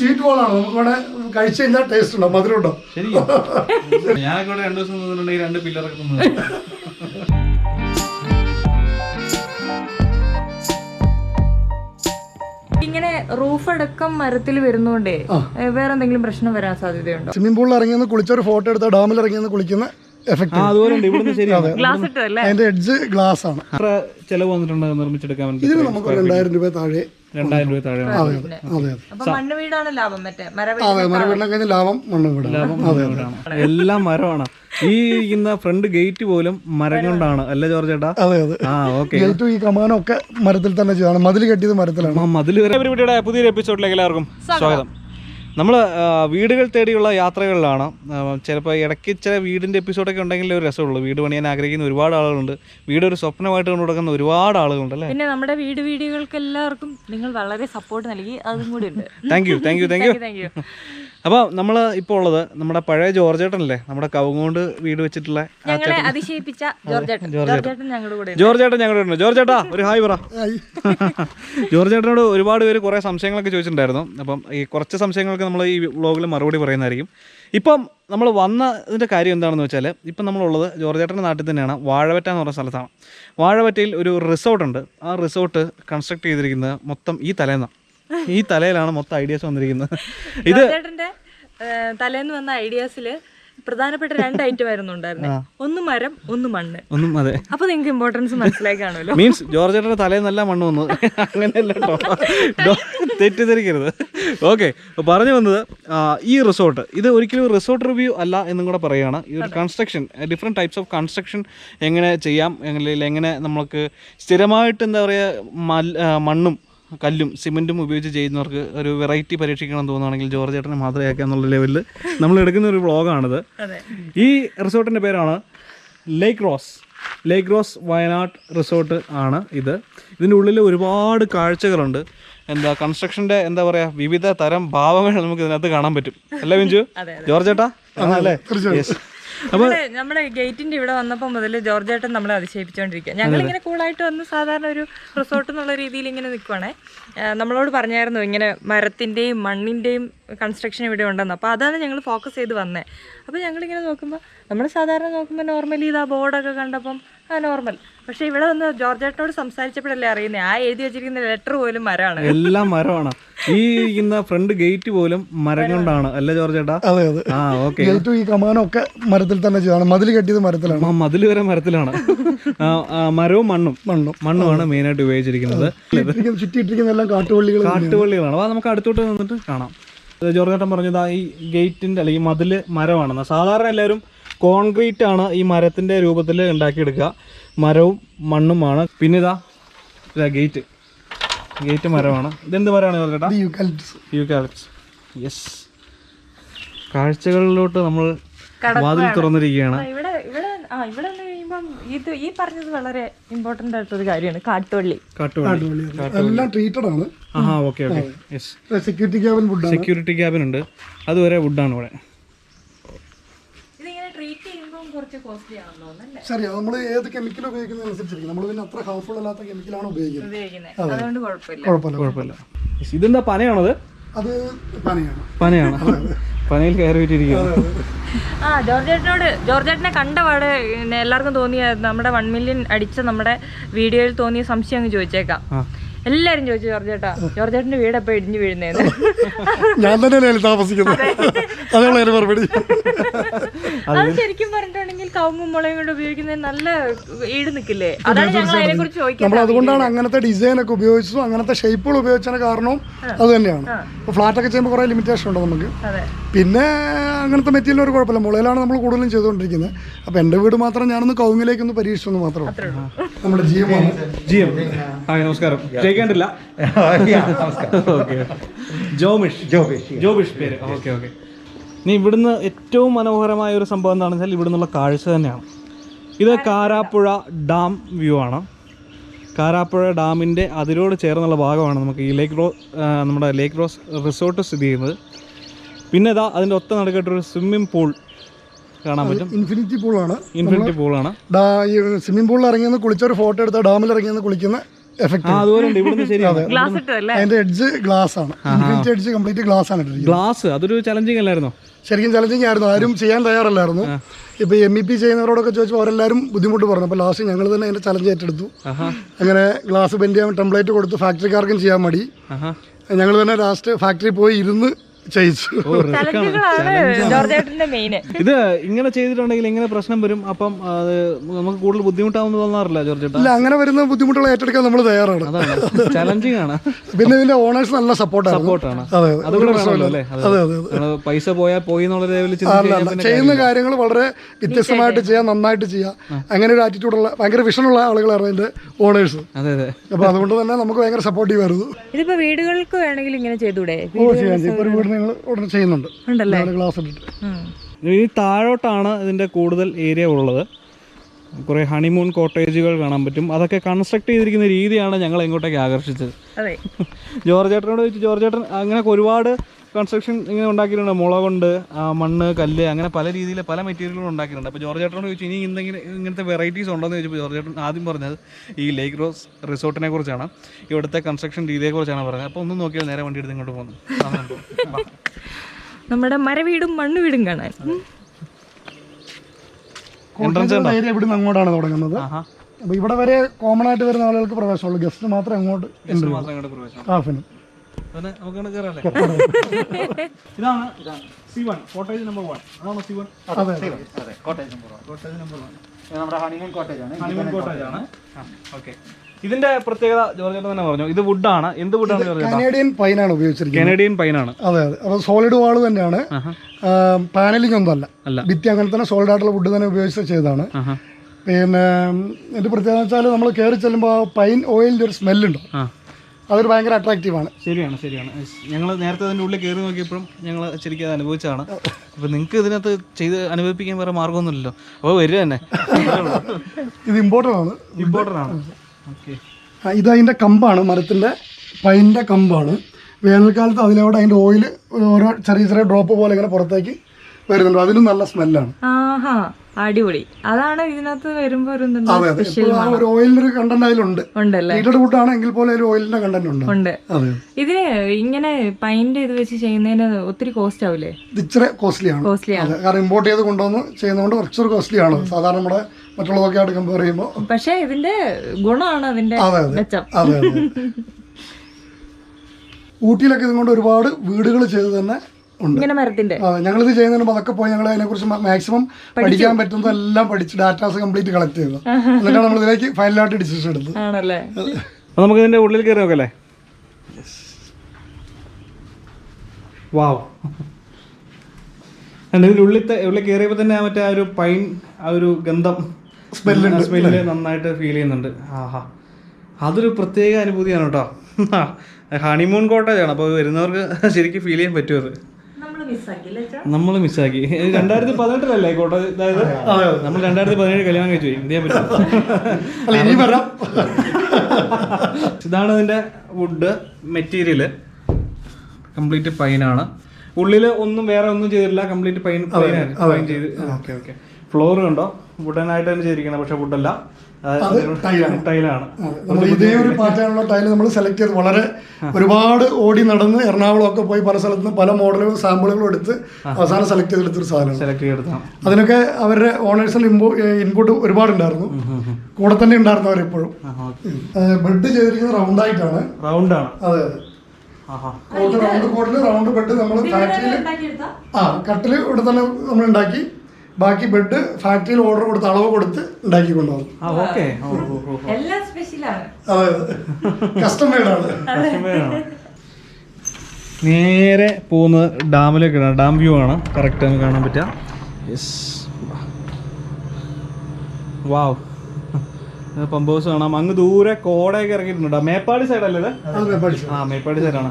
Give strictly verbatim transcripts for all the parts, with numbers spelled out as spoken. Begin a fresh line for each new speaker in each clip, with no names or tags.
Sweet ബോളാണ്. നമുക്ക് വേണേ കഴിച്ചു കഴിഞ്ഞാൽ ടേസ്റ്റ് ഉണ്ടോ, മധുരം ഉണ്ടോ?
ശരി, ഞാനൊക്കെ രണ്ടു ദിവസം നിന്നിട്ടുണ്ടെങ്കിൽ രണ്ട് പില്ലറൊക്കെ തിന്നു.
ഇങ്ങനെ റൂഫ് അടക്കം മരത്തിൽ വരുന്നോണ്ടേ വേറെ എന്തെങ്കിലും പ്രശ്നം വരാൻ സാധ്യതയുണ്ടോ?
സ്വിമ്മിംഗ് പൂളിൽ ഇറങ്ങിയെന്ന് കുളിച്ചൊരു ഫോട്ടോ എടുത്ത ഡാമിൽ ഇറങ്ങിയെന്ന് കുളിക്കുന്ന എഫക്ട് അതിന്റെ എഡ്ജ് ഗ്ലാസ് ആണ്.
ചെലവ് വന്നിട്ടുണ്ട് നിർമ്മിച്ചെടുക്കാൻ വേണ്ടി.
ഇതിന് നമുക്ക് രണ്ടായിരം രൂപ താഴെ
രണ്ടായിരം രൂപ താഴെ
അതെ അതെ അതെ
മണ്ണ് വീടാണ് ലാഭം. മറ്റേ
അതെ മരവീടിനെ കഴിഞ്ഞ ലാഭം മണ്ണ് വീടാണ്.
എല്ലാം മരമാണ്. ഈ ഇരിക്കുന്ന ഫ്രണ്ട് ഗേറ്റ് പോലും മരം കൊണ്ടാണ് അല്ലേ ജോർജ് ചേട്ടാ?
അതെ അതെ.
ആ ഓക്കെ.
ഗേറ്റും ഈ കമാനും ഒക്കെ മരത്തിൽ തന്നെ ചെയ്താണ്. മതിൽ കെട്ടിയത് മരത്തിലാണ്.
മതിൽ വരെ. പരിപാടിയുടെ പുതിയൊരു എപ്പിസോഡിലേക്ക് എല്ലാവർക്കും സ്വാഗതം. നമ്മൾ വീടുകൾ തേടിയുള്ള യാത്രകളിലാണ്. ചിലപ്പോൾ ഇടയ്ക്ക് ചില വീടിൻ്റെ എപ്പിസോഡൊക്കെ ഉണ്ടെങ്കിൽ ഒരു രസമുള്ളൂ. വീട് പണിയാൻ ആഗ്രഹിക്കുന്ന ഒരുപാട് ആളുകളുണ്ട്. വീട് ഒരു സ്വപ്നമായിട്ട് കൊണ്ട് കൊടുക്കുന്ന ഒരുപാട് ആളുകളുണ്ട് അല്ലേ?
പിന്നെ നമ്മുടെ വീട് വീടുകൾക്ക് എല്ലാവർക്കും നിങ്ങൾ വളരെ സപ്പോർട്ട് നൽകി, അതും കൂടി ഉണ്ട്.
Thank you thank you thank you thank you. അപ്പോൾ നമ്മൾ ഇപ്പോൾ ഉള്ളത് നമ്മുടെ പഴയ ജോർജ് ചേട്ടനല്ലേ, നമ്മുടെ കവുങ്ങോണ്ട് വീട് വെച്ചിട്ടുള്ള
ഞങ്ങളെ അതിശയിപ്പിച്ച ജോർജ് ചേട്ടൻ. ജോർജ് ചേട്ടൻ ഞങ്ങളുടെ കൂടെ
ജോർജ് ചേട്ടൻ ഞങ്ങളുടെ ഉണ്ട്. ജോർജ് ചേട്ടാ ഒരു ഹായ് പറ. ജോർജ് ചേട്ടനോട് ഒരുപാട് പേര് കുറേ സംശയങ്ങളൊക്കെ ചോദിച്ചിട്ടുണ്ടായിരുന്നു. അപ്പം ഈ കുറച്ച് സംശയങ്ങൾക്ക് നമ്മൾ ഈ വ്ളോഗിൽ മറുപടി പറയുന്നതായിരിക്കും. ഇപ്പം നമ്മൾ വന്നതിൻ്റെ കാര്യം എന്താണെന്ന് വെച്ചാൽ, ഇപ്പം നമ്മളുള്ളത് ജോർജ് ചേട്ടൻ്റെ നാട്ടിൽ തന്നെയാണ്, വാഴവറ്റ എന്ന് പറഞ്ഞ സ്ഥലത്താണ്. വാഴവറ്റയിൽ ഒരു റിസോർട്ടുണ്ട്. ആ റിസോർട്ട് കൺസ്ട്രക്ട് ചെയ്തിരിക്കുന്നത് മൊത്തം ഈ തലേന്നാണ്. ഈ തലയിലാണ് മൊത്തം ഐഡിയാസ് വന്നിരിക്കുന്നത്. ഇത്
ചേട്ടൻ്റെ തലേന്ന് വന്ന ഐഡിയാസിൽ പ്രധാനപ്പെട്ട രണ്ട് ഐറ്റം ആയിരുന്നു ഉണ്ടായിരുന്നത്. ഒന്ന് മരം, ഒന്ന് മണ്ണ്.
ഒന്നും അതെ.
അപ്പൊ നിങ്ങൾക്ക് ഇമ്പോർട്ടൻസ് മനസ്സിലാക്കി കാണുമല്ലോ.
മീൻസ് ജോർജ് ചേട്ടൻ്റെ തലേന്നല്ല മണ്ണ് വന്നത്, അങ്ങനെയല്ല കേട്ടോ, തെറ്റിദ്ധരിക്കരുത്. ഓക്കെ, പറഞ്ഞു വന്നത് ഈ റിസോർട്ട് ഇത് ഒരിക്കലും റിസോർട്ട് റിവ്യൂ അല്ല എന്നും കൂടെ പറയുകയാണ്. ഇതൊരു construction, different types of construction എങ്ങനെ ചെയ്യാം, അല്ലെങ്കിൽ എങ്ങനെ നമുക്ക് സ്ഥിരമായിട്ട് എന്താ പറയുക മണ്ണും കല്ലും സിമെൻറ്റും ഉപയോഗിച്ച് ചെയ്യുന്നവർക്ക് ഒരു വെറൈറ്റി പരീക്ഷിക്കണം തോന്നുകയാണെങ്കിൽ ജോർജ് ചേട്ടനെ മാതൃകയാക്കുക എന്നുള്ള ലെവലിൽ നമ്മൾ എടുക്കുന്ന ഒരു വ്ളോഗാണിത്. ഈ റിസോർട്ടിൻ്റെ പേരാണ് Lake Rose. Lake Rose Wayanad resort ആണ് ഇത്. ഇതിൻ്റെ ഉള്ളിൽ ഒരുപാട് കാഴ്ചകളുണ്ട്. എന്താ കൺസ്ട്രക്ഷൻ്റെ എന്താ പറയുക വിവിധ തരം ഭാവങ്ങൾ നമുക്ക് ഇതിനകത്ത് കാണാൻ പറ്റും. അല്ലേ ബിഞ്ചു? ജോർജ് ചേട്ടാ അല്ലേ? യെസ്.
അപ്പോൾ നമ്മുടെ ഗേറ്റിന്റെ ഇവിടെ വന്നപ്പോൾ മുതൽ ജോർജ് ചേട്ടൻ നമ്മളെ അതിശയിപ്പിച്ചുകൊണ്ടിരിക്കുക. ഞങ്ങളിങ്ങനെ കൂളായിട്ട് വന്ന് സാധാരണ ഒരു റിസോർട്ട് എന്നുള്ള രീതിയിൽ ഇങ്ങനെ നിൽക്കുവാണേ. നമ്മളോട് പറഞ്ഞായിരുന്നു ഇങ്ങനെ മരത്തിൻ്റെയും മണ്ണിൻ്റെയും കൺസ്ട്രക്ഷൻ ഇവിടെ ഉണ്ടെന്ന്. അപ്പോൾ അതാണ് ഞങ്ങൾ ഫോക്കസ് ചെയ്ത് വന്നത്. അപ്പോൾ ഞങ്ങളിങ്ങനെ നോക്കുമ്പോൾ നമ്മൾ സാധാരണ നോക്കുമ്പോൾ നോർമലി ഇതാ ബോർഡൊക്കെ കണ്ടപ്പം ആ നോർമൽ. പക്ഷെ ഇവിടെ വന്ന് ജോർജ് ചേട്ടനോട് സംസാരിച്ചപ്പോഴല്ലേ അറിയുന്നത് ആ എഴുതി വെച്ചിരിക്കുന്ന ലെറ്റർ പോലും മരമാണ്.
എല്ലാം മരമാണ്. ഈ ഇരിക്കുന്ന ഫ്രണ്ട് ഗേറ്റ് പോലും മരം കൊണ്ടാണ് അല്ലേ ജോർജ് ചേട്ടാ?
അതെ അതെ.
ആ ഓക്കെ.
ഗേറ്റും ഈ കമാനും ഒക്കെ മരത്തിൽ തന്നെ ചെയ്താണ്. മതിൽ കെട്ടിയത് മരത്തിലാണ്.
മതിൽ വരെ മരത്തിലാണ്. മരവും മണ്ണും മണ്ണും മണ്ണുമാണ് മെയിനായിട്ട് ഉപയോഗിച്ചിരിക്കുന്നത്.
ചുറ്റിയിട്ടിരിക്കുന്ന എല്ലാം കാട്ടുവള്ളികൾ
കാട്ടുവള്ളികളാണ്. അപ്പോൾ നമുക്ക് അടുത്തോട്ട് നിന്നിട്ട് കാണാം. ജോർജ് ചേട്ടൻ പറഞ്ഞത് ഈ ഗേറ്റിൻ്റെ അല്ലെങ്കിൽ മതിൽ മരമാണെന്ന്. സാധാരണ എല്ലാവരും കോൺക്രീറ്റ് ആണ് ഈ മരത്തിൻ്റെ രൂപത്തിൽ ഉണ്ടാക്കിയെടുക്കുക. മരവും മണ്ണുമാണ്. പിന്നെ ഇതാ ഇതാ ഗേറ്റ് ഗേറ്റ് മരമാണ്. ഇതെന്ത് മരമാണ് ജോർജ് ചേട്ടാ? യൂക്കാലിപ്റ്റസ്. യെസ്. കാഴ്ചകളിലോട്ട് നമ്മൾ വാതിൽ തുറന്നിരിക്കുകയാണ്.
ഇവിടെ ഇവിടെ ആ ഇവിടെ കഴിയുമ്പം ഇത് ഈ പറഞ്ഞത് വളരെ ഇമ്പോർട്ടൻ്റ് ആയിട്ടൊരു കാര്യമാണ്. കാട്ടുവള്ളി
കാട്ടുവള്ളി
എല്ലാം ട്രീറ്റഡ് ആണ്.
ആ okay okay. Yes.
Security cabin wood
security cabin ഉണ്ട്. അതുവരെ വുഡാണ് ഇവിടെ.
ശരി, നമ്മൾ ഏത് കെമിക്കൽ ഉപയോഗിക്കുന്നതനുസരിച്ചിരിക്കും. നമ്മൾ പിന്നെ അത്ര ഹാർംഫുൾ അല്ലാത്ത കെമിക്കലാണ് ഉപയോഗിക്കുന്നത്.
അതുകൊണ്ട് കുഴപ്പമില്ല
കുഴപ്പമില്ല. ഇതെന്താ പനയാണത്?
അത് പനയാണ്.
പനയാണ്. പനയിൽ കയറി വെച്ചിരിക്കുകയാണ്.
ആ ജോർജ് ചേട്ടനോട് ജോർജ് ചേട്ടനെ കണ്ട പാടെ എല്ലാവർക്കും തോന്നിയ നമ്മുടെ വൺ മില്യൺ അടിച്ച നമ്മുടെ വീഡിയോയിൽ തോന്നിയ സംശയം അങ്ങ് ചോദിച്ചേക്കാം. എല്ലാരും ചോദിച്ചു ജോർജ് ചേട്ടാ ജോർജ് ചേട്ടന്റെ വീട് എപ്പോ ഇടിഞ്ഞു വീഴുന്നേന്ന്.
ഞാൻ തന്നെയല്ലേ താമസിക്കുന്നത്. അതാണ് മറുപടി.
അത് ശരിക്കും പറഞ്ഞിട്ടുണ്ടെങ്കിൽ കവുങ്ങും മുളയും കൊണ്ട് ഉപയോഗിക്കുന്നത് നല്ല ഈട് നിൽക്കില്ലേ? അതാണ് ഞങ്ങൾ അതിനെ കുറിച്ച് ചോദിക്കുന്നത്.
നമ്മൾ അതുകൊണ്ടാണ് അങ്ങനത്തെ ഡിസൈൻ ഒക്കെ ഉപയോഗിച്ചതും അങ്ങനത്തെ ഷേപ്പുകൾ ഉപയോഗിച്ചതിന് കാരണവും അത് തന്നെയാണ്. ഇപ്പോൾ ഫ്ലാറ്റ് ഒക്കെ ചെയ്യുമ്പോൾ കുറേ ലിമിറ്റേഷൻ ഉണ്ട് നമുക്ക്. പിന്നെ അങ്ങനത്തെ മെറ്റീരിയൽ ഒരു കുഴപ്പമില്ല. മുളയിലാണ് നമ്മൾ കൂടുതലും ചെയ്തുകൊണ്ടിരിക്കുന്നത്. അപ്പോൾ എൻ്റെ വീട് മാത്രം ഞാനൊന്ന് കവുങ്ങിലേക്കൊന്ന് പരീക്ഷിച്ചെന്ന് മാത്രമേ. നമ്മുടെ ജിയം
ജിയം ഹായ് നമസ്കാരം. കേൾക്കേണ്ടില്ല. ജോമിഷ് ജോബിഷ് ജോബിഷ് പേര്. Okay okay. ഇനി ഇവിടുന്ന് ഏറ്റവും മനോഹരമായ ഒരു സംഭവം എന്താണെന്ന് വെച്ചാൽ ഇവിടെ നിന്നുള്ള കാഴ്ച തന്നെയാണ്. ഇത് കാരാപ്പുഴ ഡാം വ്യൂ ആണ്. കാരാപ്പുഴ ഡാമിൻ്റെ അതിരോട് ചേർന്നുള്ള ഭാഗമാണ് നമുക്ക് ഈ ലേക്ക് റോ നമ്മുടെ ലേക്ക് റോസ് റിസോർട്ട് സ്ഥിതി ചെയ്യുന്നത്. പിന്നെ ഇതാ അതിൻ്റെ ഒത്ത നടുക്കായിട്ടൊരു സ്വിമ്മിംഗ് പൂൾ കാണാൻ പറ്റും.
ഇൻഫിനിറ്റി പൂളാണ്.
ഇൻഫിനിറ്റി പൂളാണ്.
സ്വിമ്മിംഗ് പൂളിൽ ഇറങ്ങിയെന്ന് കുളിച്ചൊരു ഫോട്ടോ എടുത്ത ഡാമിൽ ഇറങ്ങിയെന്ന് കുളിക്കുന്ന എഫക്ട്
ആ അതുപോലെ ഉണ്ട് ഇവിടുന്ന് ശരിയാണ്.
ഗ്ലാസ് ഇട്ടതല്ലേ?
അതിന്റെ എഡ്ജ് ഗ്ലാസ് ആണ്, ഇൻഫിനിറ്റി എഡ്ജ് കംപ്ലീറ്റ് ഗ്ലാസ് ആണ് ഇട്ടിരിക്കുന്നത്.
ഗ്ലാസ് അതൊരു ചലഞ്ചിങ് അല്ലായിരുന്നോ?
ശരിക്കും ചലഞ്ചിങ് ആയിരുന്നു, ആരും ചെയ്യാൻ തയ്യാറല്ലായിരുന്നു. ഇപ്പോൾ എം ഇ പി ചെയ്യുന്നവരോടൊക്കെ ചോദിച്ചപ്പോൾ അവരെല്ലാവരും ബുദ്ധിമുട്ട് പറഞ്ഞു. അപ്പോൾ ലാസ്റ്റ് ഞങ്ങൾ തന്നെ അതിൻ്റെ ചലഞ്ച് ഏറ്റെടുത്തു. അങ്ങനെ ഗ്ലാസ് ബെൻഡ് ചെയ്യാൻ ടെംപ്ലേറ്റ് കൊടുത്തു, ഫാക്ടറിക്കാർക്കും ചെയ്യാൻ മടി. ഞങ്ങൾ തന്നെ ലാസ്റ്റ് ഫാക്ടറി പോയി ഇരുന്ന് ചെയ്യിച്ചു.
ഇത് ഇങ്ങനെ ചെയ്തിട്ടുണ്ടെങ്കിൽ എങ്ങനെ പ്രശ്നം വരും? അപ്പം അത് നമുക്ക് കൂടുതൽ ബുദ്ധിമുട്ടാവുന്ന തോന്നാറില്ല ജോർജ് ചേട്ടാ?
ഇല്ല, അങ്ങനെ വരുന്ന ബുദ്ധിമുട്ടുകൾ ഏറ്റെടുക്കാൻ നമ്മൾ തയ്യാറാണ്.
ചലഞ്ചിങ് ആണ്.
പിന്നെ ഇതിന്റെ ഓണേഴ്സ് നല്ല സപ്പോർട്ടാണ്.
സപ്പോർട്ടാണ്.
അതെ
അതുകൂടെ വേണമല്ലോ അല്ലേ?
അതെ അതെ.
പൈസ പോയാൽ പോയി എന്നുള്ള ലെവലിൽ
ചെയ്യുന്ന കാര്യങ്ങൾ വളരെ വ്യത്യസ്തമായിട്ട് ചെയ്യാം, നന്നായിട്ട് ചെയ്യാം. അങ്ങനെ ഒരു ആറ്റിറ്റ്യൂഡുള്ള ഭയങ്കര വിഷനുള്ള ആളുകളാണ് അതിന്റെ ഓണേഴ്സ്.
അതെ അതെ.
അപ്പൊ അതുകൊണ്ട് തന്നെ നമുക്ക് ഭയങ്കര സപ്പോർട്ടീവ് ആയിരുന്നു.
ഇതിപ്പോ വീടുകൾക്ക് വേണമെങ്കിൽ ഇങ്ങനെ ചെയ്തൂടെ?
ഓ ചെയ്യാം, ഇപ്പൊ ഒരു വീട് ഞങ്ങൾ ഉടനെ ചെയ്യുന്നുണ്ട്. ഗ്ലാസ് ഇട്ടിട്ട്
ഇനി താഴോട്ടാണ് ഇതിന്റെ കൂടുതൽ ഏരിയ ഉള്ളത്. കുറേ ഹണിമൂൺ കോട്ടേജുകൾ കാണാൻ പറ്റും. അതൊക്കെ കൺസ്ട്രക്ട് ചെയ്തിരിക്കുന്ന രീതിയാണ് ഞങ്ങൾ ഇങ്ങോട്ടേക്ക് ആകർഷിച്ചത്. ജോർജ് ചേട്ടനോട് ചോദിച്ചു, ജോർജ് ചേട്ടൻ അങ്ങനെ ഒരുപാട് കൺസ്ട്രക്ഷൻ ഇങ്ങനെ ഉണ്ടാക്കിയിട്ടുണ്ട്. മുള കൊണ്ട്, മണ്ണ്, കല്ല്, അങ്ങനെ പല രീതിയിൽ പല മെറ്റീരിയലുകളും ഉണ്ടാക്കിയിട്ടുണ്ട്. അപ്പോൾ ജോർജ് ചേട്ടനോട് ചോദിച്ചു ഇനി എന്തെങ്കിലും ഇങ്ങനത്തെ വെറൈറ്റീസ് ഉണ്ടോയെന്ന് ചോദിച്ചപ്പോൾ ജോർജ് ചേട്ടൻ ആദ്യം പറഞ്ഞത് ഈ ലേക്ക് റോസ് റിസോർട്ടിനെ കുറിച്ചാണ്, ഇവിടുത്തെ കൺസ്ട്രക്ഷൻ രീതിയെക്കുറിച്ചാണ് പറഞ്ഞത്. അപ്പോൾ ഒന്നും നോക്കിയാൽ നേരെ വണ്ടി എടുത്ത് ഇങ്ങോട്ട് പോകുന്നു.
നമ്മുടെ മരവീടും മണ്ണ് വീടും കാണാൻ
ഏരിയ ഇവിടുന്ന് അങ്ങോട്ടാണ് തുടങ്ങുന്നത്. അപ്പൊ ഇവിടെ വരെ കോമൺ ആയിട്ട് വരുന്ന ആളുകൾക്ക് പ്രവേശനമുള്ളൂ, ഗസ്റ്റ് മാത്രമേ അങ്ങോട്ട് സ്റ്റാഫിന്.
ഇതാണ് C one cottage number one. അതാണോ സി വൺ?
അതെ
cottage number one. Cottage number one നമ്മുടെ ഹണിമൂൺ കോട്ടേജ് ആണ്. ഹണിമൂൺ കോട്ടേജ് ആണ്. ഓക്കെ. ഇതിന്റെ പ്രത്യേകത ജോർജ് ചേട്ടൻ തന്നെ പറഞ്ഞു, ഇത് വുഡാണ്. എന്ത് വുഡാണ് ജോർജ്?
കനേഡിയൻ പൈനാണ് ഉപയോഗിച്ചിരിക്കുന്നത്.
കനേഡിയൻ പൈനാണ്.
അതെ അതെ. അപ്പോൾ സോളിഡ് വാള് തന്നെയാണ്, പാനലിംഗ് ഒന്നും അല്ല. ഭിത്തി അങ്ങനെ തന്നെ സോളിഡ് ആയിട്ടുള്ള വുഡ് തന്നെ ഉപയോഗിച്ച് ചെയ്തതാണ്. പിന്നെ ഇതിന്റെ പ്രത്യേകത വെച്ചാൽ നമ്മൾ കയറി ചെല്ലുമ്പോൾ ആ പൈൻ ഓയിലിന്റെ ഒരു സ്മെല്ലുണ്ടോ, അതൊരു ഭയങ്കര അട്രാക്റ്റീവാണ്.
ശരിയാണ് ശരിയാണ്. ഞങ്ങൾ നേരത്തെ അതിൻ്റെ ഉള്ളിൽ കയറി നോക്കിയപ്പോഴും ഞങ്ങൾ ശരിക്കും അത് അനുഭവിച്ചതാണ്. അപ്പോൾ നിങ്ങൾക്ക് ഇതിനകത്ത് ചെയ്ത് അനുഭവിപ്പിക്കാൻ വേറെ മാർഗ്ഗമൊന്നുമില്ലല്ലോ, അപ്പോൾ വരിക തന്നെ.
ഇത് ഇമ്പോർട്ടൻ്റ് ആണ്.
ഇമ്പോർട്ടൻ്റ് ആണ്. ഓക്കെ.
ഇത് അതിൻ്റെ കമ്പാണ്, മരത്തിൻ്റെ പൈൻ്റെ കമ്പാണ്. വേനൽക്കാലത്ത് അതിലൂടെ അതിൻ്റെ ഓയിൽ ഓരോ ചെറിയ ചെറിയ ഡ്രോപ്പ് പോലെ ഇങ്ങനെ പുറത്തേക്ക് വരുന്നുണ്ട്. അതിനും നല്ല സ്മെല്ലാണ്.
അടിപൊളി. അതാണ് ഇതിനകത്ത് വരുമ്പോ
ഒരു ഓയിലിന്റെ ഒരു കണ്ടന്റ് അതിലുണ്ട്. ഹീറ്റഡ് വുഡ് ആണെങ്കിൽ പോലെ ഒരു ഓയിലിന്റെ കണ്ടന്റ് ഉണ്ട്.
ഇതിന് ഇങ്ങനെ പൈന്റ് ഇത് വെച്ച് ചെയ്യുന്നതിന് ഒത്തിരി കോസ്റ്റ് ആവില്ലേ?
ഇത് ഇച്ചിരി കോസ്റ്റ്ലി ആണ്, കാരണം ഇമ്പോർട്ട് ചെയ്ത് കൊണ്ടുവന്ന് ചെയ്യുന്നതുകൊണ്ട് കുറച്ചൊരു കോസ്റ്റ്ലി ആണ് സാധാരണ നമ്മുടെ മറ്റുള്ളതൊക്കെ ആയിട്ട് കമ്പയർ ചെയ്യുമ്പോൾ.
പക്ഷെ ഇതിന്റെ ഗുണമാണ് അതിന്റെ മെച്ചം.
അതെ അതെ. ഊട്ടിയിലൊക്കെ ഇതുകൊണ്ട് ഒരുപാട് വീടുകൾ ചെയ്ത് തന്നെ
ഇങ്ങനെ മരത്തിന്റെ.
അതെ, ഞങ്ങളിത് ചെയ്യുന്നതിന് അതൊക്കെ പോയി ഞങ്ങൾ അതിനെ കുറിച്ച് മാക്സിമം പഠിക്കാൻ പറ്റുന്നതെല്ലാം പഠിച്ച് ഡാറ്റാസ് കംപ്ലീറ്റ് കളക്ട് ചെയ്തു. എന്നിട്ടാണ് നമ്മൾ ഇതിലേക്ക് ഫൈനലായിട്ട് ഡിസിഷൻ എടുത്തത്.
ആണല്ലേ?
നമുക്ക് ഇതിന്റെ ഉള്ളിൽ കയറി നോക്കല്ലേ? വാവ്. ഇതിന്റെ ഉള്ളിൽ ഉള്ളിൽ കയറിയപ്പോൾ തന്നെ മറ്റേ ആ ഒരു പൈൻ ആ ഒരു ഗന്ധം സ്മെല്ല് സ്മെല്ല് നന്നായിട്ട് ഫീൽ ചെയ്യുന്നുണ്ട്. ആഹാ, അതൊരു പ്രത്യേക അനുഭൂതിയാണ് കേട്ടോ. ഹണിമൂൺ കോട്ടേജാണ്, അപ്പോൾ വരുന്നവർക്ക് ശരിക്കും ഫീൽ ചെയ്യാൻ പറ്റും. അത് നമ്മൾ മിസ്സാക്കി. രണ്ടായിരത്തി പതിനെട്ടിലല്ലേ കോട്ടേജ്? അതായത് നമ്മൾ രണ്ടായിരത്തി പതിനേഴ് കല്യാണം കഴിച്ചു പോയി. എന്ത് ചെയ്യാൻ പറ്റും? ഇതാണ് ഇതിന്റെ വുഡ് മെറ്റീരിയല്. കംപ്ലീറ്റ് പൈനാണ്. ഉള്ളിൽ ഒന്നും വേറെ ഒന്നും ചെയ്തിട്ടില്ല, കംപ്ലീറ്റ് പൈൻ പൈൻ ചെയ്ത്. Okay okay. ഫ്ലോർ കണ്ടോ, വുഡനായിട്ട് തന്നെ ചെയ്തിരിക്കണം, പക്ഷെ വുഡല്ല, ടൈലാണ്.
ഇതേ ഒരു പാറ്റേണുള്ള ടൈല് നമ്മൾ സെലക്ട് ചെയ്ത് വളരെ ഒരുപാട് ഓടി നടന്ന് എറണാകുളം ഒക്കെ പോയി പല സ്ഥലത്ത് നിന്ന് പല മോഡലുകളും സാമ്പിളുകളും എടുത്ത് അവസാനം സെലക്ട് ചെയ്തെടുത്തൊരു സാധനം.
സെലക്ട് ചെയ്തെടുത്താണ്.
അതിനൊക്കെ അവരുടെ ഓണേഴ്സിന്റെ ഇൻപുട്ട് ഒരുപാടുണ്ടായിരുന്നു, കൂടെ തന്നെ ഉണ്ടായിരുന്നു അവരെപ്പോഴും. ബെഡ് ചെയ്തിരിക്കുന്നത് റൗണ്ട് ആയിട്ടാണ്.
റൗണ്ട് ആണ്.
അതെ അതെ. കോട്ട് റൗണ്ട് കോട്ടില് റൗണ്ട് ബെഡ് നമ്മൾ ഫാക്ടറിയിൽ ആ കട്ടില് ഇവിടെ തന്നെ നമ്മൾ ഉണ്ടാക്കി, ബാക്കി ബെഡ് ഫാക്ടറിയിൽ ഓർഡർ കൊടുത്ത് അളവ് കൊടുത്ത് ഉണ്ടാക്കി കൊണ്ടുപോകും. കസ്റ്റം മെയ്ഡാണ്.
നേരെ പോകുന്നത് ഡാമിലേക്കാണ്. ഡാം വ്യൂ ആണ് കറക്റ്റ് നമുക്ക് കാണാൻ പറ്റുക. യെസ്, വാവ്. പമ്പ് ഹൗസ് കാണാം. അങ്ങ് ദൂരെ കോടയൊക്കെ ഇറങ്ങിയിട്ടുണ്ട്. മേപ്പാടി സൈഡല്ലേ ഇത്? ആ, മേപ്പാടി സൈഡാണ്.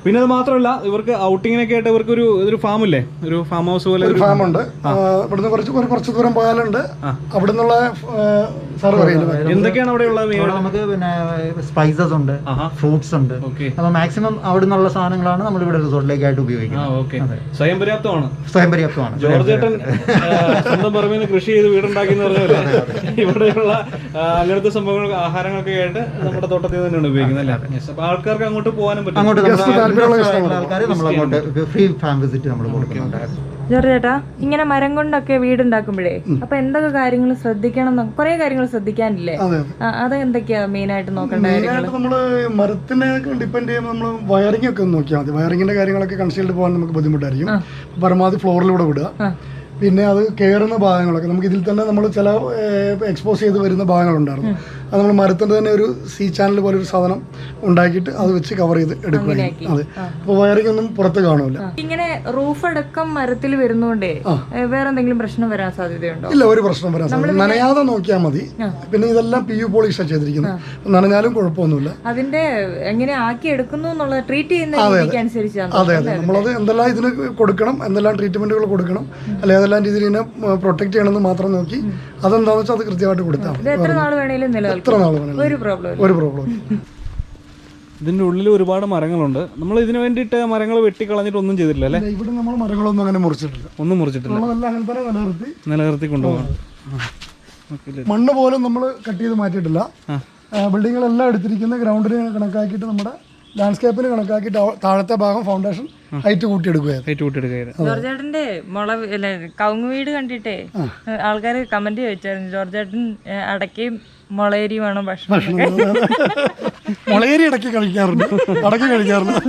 പിന്നെ അത് മാത്രമല്ല ഇവർക്ക് ഔട്ടിങ്ങിനൊക്കെ ആയിട്ട് ഇവർക്ക് ഒരു ഒരു ഫാം ഇല്ലേ, ഒരു ഫാം ഹൗസ് പോലെ
ഒരു ഫാം ഉണ്ട്. ഇവിടുന്ന് കുറച്ച് ഒരു കുറച്ച് ദൂരം പോയാലുണ്ട്. അവിടെ നിന്നുള്ള സാറ് പറയുന്നത്
എന്തൊക്കെയാണ് അവിടെ ഉള്ളത്?
നമുക്ക് പിന്നെ സ്പൈസസ് ഉണ്ട്, ഫ്രൂട്ട്സ് ഉണ്ട്. അപ്പൊ മാക്സിമം അവിടെ നിന്നുള്ള സാധനങ്ങളാണ് നമ്മൾ ഇവിടെ റിസോർട്ടിലേക്കായിട്ട് ഉപയോഗിക്കുന്നത്.
സ്വയം പര്യാപ്തമാണ്.
സ്വയം പര്യാപ്തമാണ്.
ജോർജേട്ടൻ സ്വന്തം പറമ്പിൽ നിന്ന് കൃഷി ചെയ്ത് വീടുണ്ടാക്കി എന്ന് പറഞ്ഞല്ലേ, ഇവിടെയുള്ള അങ്ങനത്തെ സംഭവങ്ങൾ ആഹാരങ്ങളൊക്കെ ആയിട്ട് നമ്മുടെ തോട്ടത്തിൽ തന്നെയാണ് ഉപയോഗിക്കുന്നത് അല്ലേ? അപ്പൊ ആൾക്കാർക്ക് അങ്ങോട്ട് പോകാനും പറ്റും.
അങ്ങോട്ട് ആൾക്കാർ നമ്മൾ അങ്ങോട്ട് ഫ്രീ ഫാം വിസിറ്റ് നമ്മൾ കൊടുക്കുന്നുണ്ടായിരുന്നു.
ജോർജ് ചേട്ടാ, ഇങ്ങനെ മരം കൊണ്ടൊക്കെ വീടുണ്ടാക്കുമ്പോഴേ അപ്പൊ എന്തൊക്കെ കാര്യങ്ങൾ ശ്രദ്ധിക്കണം? കുറെ കാര്യങ്ങൾ ശ്രദ്ധിക്കാനില്ലേ? അത് എന്തൊക്കെയാ മെയിൻ ആയിട്ട് നോക്കേണ്ട കാര്യങ്ങൾ?
നമ്മള് മരത്തിനെ ഡിപ്പെൻഡ് ചെയ്യുമ്പോൾ നമ്മൾ വയറിംഗ് ഒക്കെ ഒന്ന് നോക്കിയാൽ മതി. വയറിങ്ങിന്റെ കാര്യങ്ങളൊക്കെ കൺസീൽഡ് പോകാൻ നമുക്ക് ബുദ്ധിമുട്ടായിരിക്കും. പരമാവധി ഫ്ലോറിലൂടെ വിടുക. പിന്നെ അത് കയറുന്ന ഭാഗങ്ങളൊക്കെ നമുക്ക് ഇതിൽ തന്നെ നമ്മൾ ചില എക്സ്പോസ് ചെയ്ത് വരുന്ന ഭാഗങ്ങളുണ്ടായിരുന്നു. അത് നമ്മൾ മരത്തിൻ്റെ തന്നെ ഒരു സി ചാനൽ പോലെ ഒരു സാധനം ഉണ്ടാക്കിയിട്ട് അത് വെച്ച് കവർ ചെയ്ത് എടുക്കുകയും. അതെ, അപ്പോൾ വയറിംഗ് ഒന്നും പുറത്ത് കാണൂല.
ഇങ്ങനെ റൂഫ് അടക്കം മരത്തിൽ വരുന്നോണ്ടേ വേറെ എന്തെങ്കിലും പ്രശ്നം വരാൻ സാധ്യതയുണ്ടോ?
ഇല്ല, ഒരു പ്രശ്നം വരാൻ സാധ്യത. നനയാതെ നോക്കിയാൽ മതി. പിന്നെ ഇതെല്ലാം പി യു പോളിഷാണ് ചെയ്തിരിക്കുന്നത്. നനഞ്ഞാലും കുഴപ്പമൊന്നുമില്ല.
അതിന്റെ എങ്ങനെ ആക്കി എടുക്കുന്നു എന്നുള്ള ട്രീറ്റ് ചെയ്യുന്ന രീതിക്ക് അനുസരിച്ചാണ്.
അതെ അതെ, നമ്മളത് എന്തെല്ലാം ഇതിന് കൊടുക്കണം, എന്തെല്ലാം ട്രീറ്റ്മെന്റുകൾ കൊടുക്കണം, അല്ലെ ഏതെല്ലാം രീതിയിൽ ഇതിനെ പ്രൊട്ടക്ട് ചെയ്യണമെന്ന് മാത്രം നോക്കി അതെന്താണെന്ന് വെച്ചാൽ അത് കൃത്യമായിട്ട് കൊടുത്താൽ മതി.
എത്ര നാൾ വേണേലും നിലനിൽക്കും.
എത്ര നാൾ വേണേലും
ഒരു പ്രോബ്ലം
ഒരു പ്രോബ്ലം.
ഇതിന്റെ ഉള്ളിൽ ഒരുപാട് മരങ്ങളുണ്ട്. നമ്മൾ ഇതിന് വേണ്ടിയിട്ട് മരങ്ങൾ വെട്ടിക്കളഞ്ഞിട്ട് ഒന്നും ചെയ്തിട്ടില്ല അല്ലേ?
ഇവിടെ നമ്മൾ മരങ്ങളൊന്നും അങ്ങനെ മുറിച്ചിട്ടില്ല.
ഒന്നും മുറിച്ചിട്ടില്ല.
അങ്ങനെ തന്നെ നിലനിർത്തി
നിലനിർത്തി കൊണ്ടുപോകണം.
മണ്ണ് പോലും നമ്മൾ കട്ട് ചെയ്ത് മാറ്റിയിട്ടില്ല. ബിൽഡിങ്ങുകളെല്ലാം എടുത്തിരിക്കുന്ന ഗ്രൗണ്ടിന് കണക്കാക്കിയിട്ട് നമ്മുടെ ലാൻഡ്സ്കേപ്പിന് കണക്കാക്കിയിട്ട് താഴത്തെ ഭാഗം ഫൗണ്ടേഷൻ ഹൈറ്റ് കൂട്ടിയെടുക്കുകയായിരുന്നു.
ജോർജേട്ടന്റെ മുള കവുങ്ങ് വീട് കണ്ടിട്ടേ ആൾക്കാർ കമന്റ് ചോദിച്ചായിരുന്നു, ജോർജേട്ടൻ അടക്കയും മുളയരിയുമാണോ ഭക്ഷണം?
മുളയരി ഇടയ്ക്ക് കഴിക്കാറുണ്ട്, അടക്കി കഴിക്കാറുണ്ട്.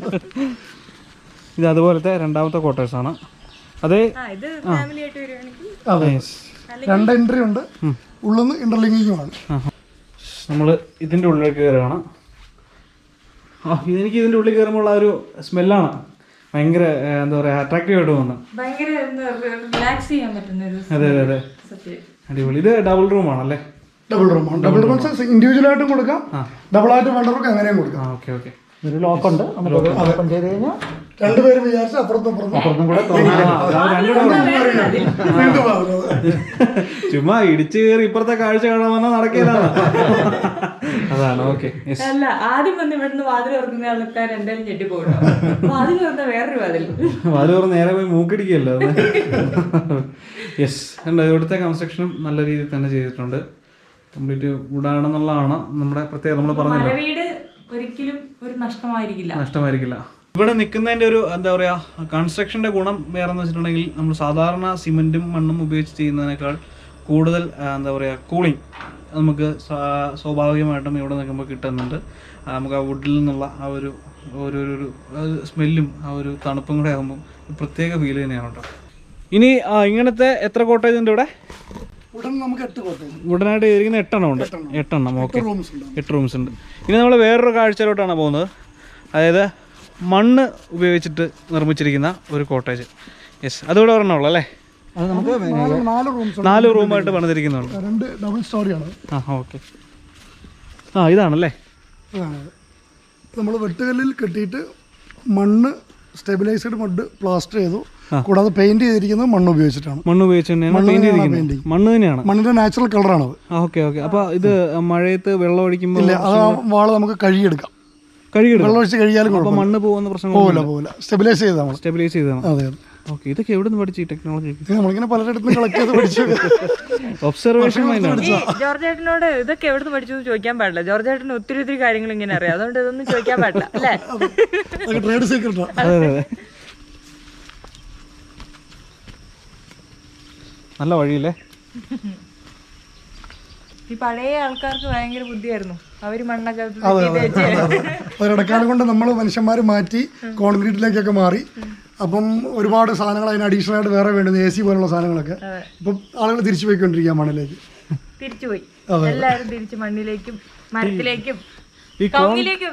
ഇത് അതുപോലത്തെ രണ്ടാമത്തെ ക്വാർട്ടേഴ്സ് ആണ്. അതെ,
അതെ, രണ്ട് എൻട്രി ഉണ്ട്. ഉള്ളിൽ ഇന്റർലിങ്കിങ്ങുമാണ്.
നമ്മൾ ഇതിന്റെ ഉള്ളിലേക്ക് കയറുകയാണ്. ആ, ഇതെനിക്ക് ഇതിന്റെ ഉള്ളിൽ കയറുമ്പോൾ ഉള്ള ഒരു സ്മെല്ലാണ് ഭയങ്കര എന്താ പറയാ അട്രാക്റ്റീവ് ആയിട്ട് തോന്നുന്നത്. അതെ അതെ അതെ, അടിപൊളി. ഇത് ഡബിൾ റൂം ആണല്ലേ?
ഡബിൾ റൂമാണ്. ഡബിൾ റൂം ഇൻഡിവിജ്വൽ ആയിട്ടും കൊടുക്കാം, ഡബിൾ ആയിട്ട് വേണ്ടവർക്ക് അങ്ങനെയും കൊടുക്കാം.
Okay okay.
ഒരു ലോക്ക് ഉണ്ട്. ഓപ്പൺ ചെയ്ത് കഴിഞ്ഞാൽ
രണ്ടുപേരും വിചാരിച്ച അപ്പുറത്തും
അപ്പുറത്തും കൂടെ
ചുമ്മാ ഇടിച്ചു കയറി ഇപ്പുറത്തെ കാഴ്ച കാണാൻ വന്നാൽ നടക്കില്ലാണ്. അതാണ്. ഓക്കെ.
അല്ല, ആദ്യം വന്ന് ഇവിടുന്ന് വാതിൽ തുറക്കുന്ന ആൾക്കാർ എന്തായാലും ഞെട്ടിപ്പോകണം. വാതിൽ തുറന്ന വേറൊരു വാതിൽ
വാതിൽ തുറന്ന് നേരെ പോയി മൂക്കിടിക്കല്ലോ. യെസ്, ഉണ്ട്. ഇവിടുത്തെ കൺസ്ട്രക്ഷനും നല്ല രീതിയിൽ തന്നെ ചെയ്തിട്ടുണ്ട്. കംപ്ലീറ്റ് വുഡാണെന്നുള്ളതാണ് നമ്മുടെ പ്രത്യേകത. നമ്മൾ പറഞ്ഞത്
വീട് ഒരിക്കലും ഒരു നഷ്ടമായിരിക്കില്ല
നഷ്ടമായിരിക്കില്ല ഇവിടെ നിൽക്കുന്നതിൻ്റെ ഒരു എന്താ പറയുക കൺസ്ട്രക്ഷൻ്റെ ഗുണം വേറെ എന്ന് വെച്ചിട്ടുണ്ടെങ്കിൽ നമ്മൾ സാധാരണ സിമെൻറ്റും മണ്ണും ഉപയോഗിച്ച് ചെയ്യുന്നതിനേക്കാൾ കൂടുതൽ എന്താ പറയുക കൂളിംഗ് നമുക്ക് സ്വാഭാവികമായിട്ടും ഇവിടെ നിൽക്കുമ്പോൾ കിട്ടുന്നുണ്ട്. നമുക്ക് ആ വുഡിൽ നിന്നുള്ള ആ ഒരു ഓരോരു സ്മെല്ലും ആ ഒരു തണുപ്പും കൂടെ ആകുമ്പോൾ പ്രത്യേക ഫീൽ തന്നെയാണ് കേട്ടോ. ഇനി ഇങ്ങനത്തെ എത്ര കോട്ടേജ് ഉണ്ട് ഇവിടെ? ഉടനായിട്ട് ഇരിക്കുന്ന എട്ടെണ്ണം ഉണ്ട്. എട്ടെണ്ണം. ഓക്കെ, എട്ട് റൂംസ് ഉണ്ട്. ഇനി നമ്മൾ വേറൊരു കാഴ്ചയിലോട്ടാണ് പോകുന്നത്. അതായത് മണ്ണ് ഉപയോഗിച്ചിട്ട് നിർമ്മിച്ചിരിക്കുന്ന ഒരു കോട്ടേജ്. യെസ്, അതുകൂടെ ഒരെണ്ണമുള്ളൂ അല്ലേ? നാല് റൂമായിട്ട് പണിതിരിക്കുന്നുണ്ട്.
രണ്ട് ഡബിൾ സ്റ്റോറിയാണ്.
ആ ഓക്കെ. ആ ഇതാണല്ലേ?
നമ്മൾ വെട്ടുകല്ലിൽ കെട്ടിയിട്ട് മണ്ണ് സ്റ്റെബിലൈസ്ഡ് മഡ് പ്ലാസ്റ്റർ ചെയ്തു. കൂടാതെ പെയിന്റ് ചെയ്തിരിക്കുന്നത് മണ്ണ് ഉപയോഗിച്ചിട്ടാണ്.
മണ്ണ് ഉപയോഗിച്ച് മണ്ണ് തന്നെയാണ്.
മണ്ണിന്റെ നാച്ചുറൽ കളറാണത്.
Okay okay. അപ്പൊ ഇത് മഴയത്ത് വെള്ളം ഒഴിക്കുമ്പോൾ
ആ വാള് നമുക്ക് കഴുകിയെടുക്കാം.
കഴുകിയെടുക്കാം.
വെള്ളം ഒഴിച്ച് കഴിയാലും
മണ്ണ് പോകുന്ന പ്രശ്നം
പോകില്ല പോകില്ല സ്റ്റെബിലൈസ് ചെയ്താണ്.
സ്റ്റെബിലൈസ് ചെയ്താണ്.
അതെ അതെ.
ഓക്കെ. ഇതൊക്കെ എവിടെ നിന്ന് പഠിച്ചു ഈ ടെക്നോളജി?
നമ്മളിങ്ങനെ പലയിടത്തും കളക്ട് ചെയ്ത് പഠിച്ചു.
ഒബ്സർവേഷൻ മൈൻഡാണ്.
ജോർജേട്ടനോട് ഇതൊക്കെ എവിടെ നിന്ന് പഠിച്ചു ചോദിക്കാൻ പാടില്ല. ജോർജേട്ടന് ഒത്തിരി ഒത്തിരി കാര്യങ്ങൾ ഇങ്ങനെ അറിയാം. അതുകൊണ്ട് ഇതൊന്നും ചോദിക്കാൻ പാടില്ല അല്ലേ?
ട്രേഡ് സീക്രട്ടാണ്.
അതെ അതെ. നല്ല വഴിയില്ലേ?
ഈ പഴയ ആൾക്കാർക്ക് ഭയങ്കര ബുദ്ധിയായിരുന്നു. അവര് മണ്ണൊക്കെ
ഒരിടക്കാലം കൊണ്ട് നമ്മൾ മനുഷ്യന്മാർ മാറ്റി കോൺക്രീറ്റിലേക്കൊക്കെ മാറി. അപ്പം ഒരുപാട് സാധനങ്ങൾ അതിന് അഡീഷണൽ ആയിട്ട് വേറെ വേണ്ടുന്നു. എ സി പോലുള്ള സാധനങ്ങളൊക്കെ ഇപ്പം ആളുകൾ തിരിച്ചു പോയിക്കൊണ്ടിരിക്കുക മണ്ണിലേക്ക്.
തിരിച്ചുപോയി എല്ലാവരും തിരിച്ച് മണ്ണിലേക്കും മരത്തിലേക്കും
ഈ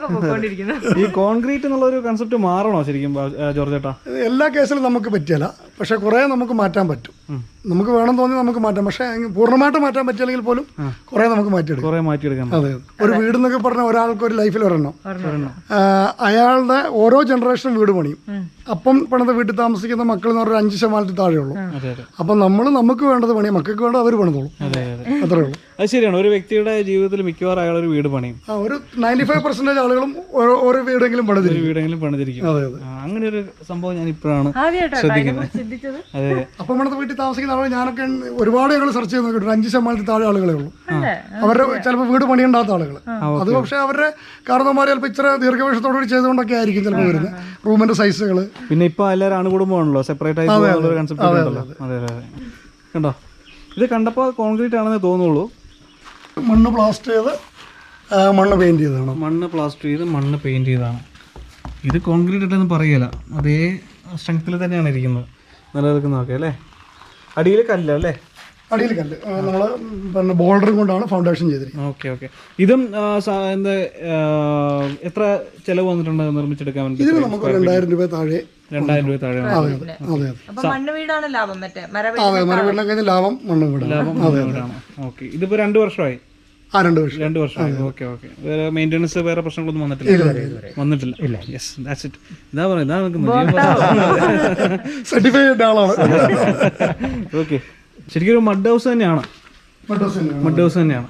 കോൺക്രീറ്റ് എന്നുള്ള ഒരു കൺസെപ്റ്റ് മാറണോ ശരിക്കും ജോർജ് ചേട്ടാ?
എല്ലാ കേസിലും നമുക്ക് പറ്റിയല്ല. പക്ഷേ കുറേ നമുക്ക് മാറ്റാൻ പറ്റും. നമുക്ക് വേണം തോന്നി നമുക്ക് മാറ്റാം. പക്ഷേ പൂർണ്ണമായിട്ട് മാറ്റാൻ പറ്റില്ലെങ്കിൽ പോലും കുറേ നമുക്ക് മാറ്റിയെടുക്കാം.
കുറേ മാറ്റിയെടുക്കാം.
അതെ, ഒരു വീട് എന്നൊക്കെ പറഞ്ഞാൽ ഒരാൾക്ക് ഒരു ലൈഫിൽ ഒരെണ്ണം. അയാളുടെ ഓരോ ജനറേഷനും വീട് പണിയും. അപ്പം പണിത വീട്ടിൽ താമസിക്കുന്ന മക്കൾ എന്ന് പറഞ്ഞാൽ അഞ്ച് ശതമാനത്തിൽ താഴെയുള്ളൂ. അപ്പം നമ്മൾ നമുക്ക് വേണ്ടത് പണിയും, മക്കൾക്ക് വേണ്ടത് അവർ പണിതോളും. അത്രേ ഉള്ളൂ.
അത് ശരിയാണ്. ഒരു വ്യക്തിയുടെ ജീവിതത്തിൽ മിക്കവാറും അയാൾ ഒരു വീട് പണിയും.
ആ ഒരു നയൻറ്റി ഫൈവ് പെർസെന്റേജ് ആളുകളും ഓരോ ഓരോ വീടെങ്കിലും പണിതിരിക്കും.
വീടെങ്കിലും പണിതിരിക്കും.
അതെ അതെ.
അങ്ങനെ ഒരു സംഭവം ഞാൻ ഇപ്പോഴാണ് ശ്രദ്ധിക്കുന്നത്. അതെ.
അപ്പം പണിത വീട്ടിൽ താമസിക്കുന്ന ആളുകൾ ഞാനൊക്കെ ഒരുപാട് ഞങ്ങൾ സെർച്ച് ചെയ്ത് നോക്കിയിട്ടുണ്ട്. അഞ്ച് ശതമാനത്തിൽ താഴെ ആളുകളേ ഉള്ളൂ. അവരുടെ ചിലപ്പോൾ വീട് പണിയുണ്ടാത്ത ആളുകൾ. അത് പക്ഷേ അവരുടെ കാരണവന്മാർ ചിലപ്പോൾ ഇത്ര ദീർഘവീക്ഷത്തോടുകൂടി ചെയ്തുകൊണ്ടൊക്കെ ആയിരിക്കും ചിലപ്പോൾ വരുന്നത്. റൂമിന്റെ സൈസുകൾ.
പിന്നെ ഇപ്പൊ എല്ലാവരും അണുകുടുംബമാണല്ലോ, സെപ്പറേറ്റ് ആയി കൺസെപ്റ്റ് ഉണ്ടല്ലോ. അതെ അതെ. കണ്ടോ, ഇത് കണ്ടപ്പോൾ കോൺക്രീറ്റ് ആണെന്ന് തോന്നുള്ളൂ.
മണ്ണ് പ്ലാസ്റ്റർ ചെയ്ത് മണ്ണ് പെയിന്റ് ചെയ്തതാണ്.
മണ്ണ് പ്ലാസ്റ്റർ ചെയ്ത് മണ്ണ് പെയിന്റ് ചെയ്തതാണ്. ഇത് കോൺക്രീറ്റ് ഇട്ടെന്ന് പറയല, അതേ സ്ട്രെങ്ത്തിൽ തന്നെയാണ് ഇരിക്കുന്നത്, നിലനിൽക്കുന്നതൊക്കെ അല്ലേ. അടിയിൽ കല്ല് അല്ലേ?
അടിയിൽ കല്ല് നമ്മൾ പിന്നെ ബോൾഡറും കൊണ്ടാണ് ഫൗണ്ടേഷൻ ചെയ്തിരിക്കുന്നത്.
Okay okay. ഇതും എന്താ എത്ര ചിലവ് വന്നിട്ടുണ്ട് നിർമ്മിച്ചെടുക്കാൻ വേണ്ടി?
ഇതിന് നമുക്ക് രണ്ടായിരം രൂപ താഴെ.
രണ്ടായിരം രൂപ താഴെ.
അതെ അതെ അതെ.
മണ്ണ് വീടാണ് ലാഭം. മറ്റേ
അതെ, മരവീടിനെ കഴിഞ്ഞ ലാഭം മണ്ണ് വീടാണ്.
ലാഭം വീടാണ്. ഓക്കെ. ഇതിപ്പോ രണ്ട് വർഷമായി.
ആ രണ്ട് വർഷം
രണ്ട് വർഷമായി. Okay okay. വേറെ മെയിൻ്റെനൻസ് വേറെ പ്രശ്നങ്ങളൊന്നും വന്നിട്ടില്ല? വന്നിട്ടില്ല. ഇല്ല. Yes, that's it. ഇതാ പറയുന്നത്, ഇതാ നിൽക്കുന്നത്.
സർട്ടിഫൈഡ് ആളാണ്.
ഓക്കെ. ശരിക്കും ഒരു മഡ് ഹൗസ് തന്നെയാണ്. മഡ് ഹൗസ് തന്നെയാണ്.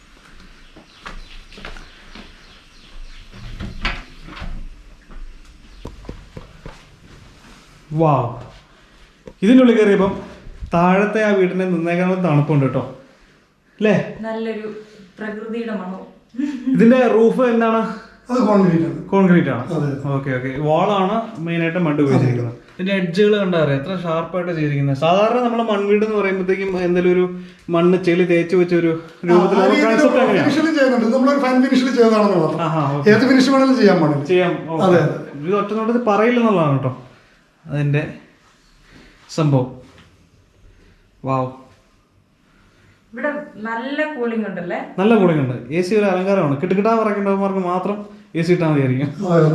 വാ, ഇതിനുള്ളിൽ കയറിയപ്പം താഴത്തെ ആ വീടിന്റെ നിന്നേക്കാനുള്ള തണുപ്പുണ്ട് കേട്ടോ അല്ലേ?
നല്ലൊരു പ്രകൃതിയുടെ മണവും.
ഇതിന്റെ റൂഫ് എന്താണ്?
അത് കോൺക്രീറ്റ് ആണ്.
കോൺക്രീറ്റ് ആണ്. Okay okay. വാളാണ് മെയിനായിട്ട് മഡ് ഉപയോഗിച്ചിരിക്കുന്നത്. ഇതിന്റെ എഡ്ജുകൾ കണ്ടാ അറിയാം എത്ര ഷാർപ്പായിട്ട് ചെയ്തിരിക്കുന്നത്. സാധാരണ നമ്മൾ മൺവീട് എന്ന് പറയുമ്പോഴത്തേക്കും എന്തെങ്കിലും ഒരു മണ്ണ് ചെളി തേച്ച് വെച്ച ഒരു രൂപത്തിലുള്ള കൺസെപ്റ്റ് എങ്ങനെയാണ്?
നമ്മളൊരു ഫൈൻ ഫിനിഷിൽ ചെയ്തതാണെന്നുള്ളത്. ഏത് ഫിനിഷ് വേണമെങ്കിലും ചെയ്യാൻ പാടില്ല.
ചെയ്യാം. ഇത് ഒറ്റ നോട്ടത്തിൽ പറയില്ലെന്നുള്ളതാണ് കേട്ടോ അതിന്റെ സംഭവം. വാവ്,
ഇവിടെ നല്ല കൂളിംഗ് ഉണ്ടല്ലേ?
നല്ല കൂളിംഗ് ഉണ്ട്. എ സി ഒരു അലങ്കാരമാണ്. കിട്ടുകിട്ടാ പറയേണ്ടവന്മാർക്ക് മാത്രം എ സി ഇട്ടാൽ മതിയായിരിക്കും.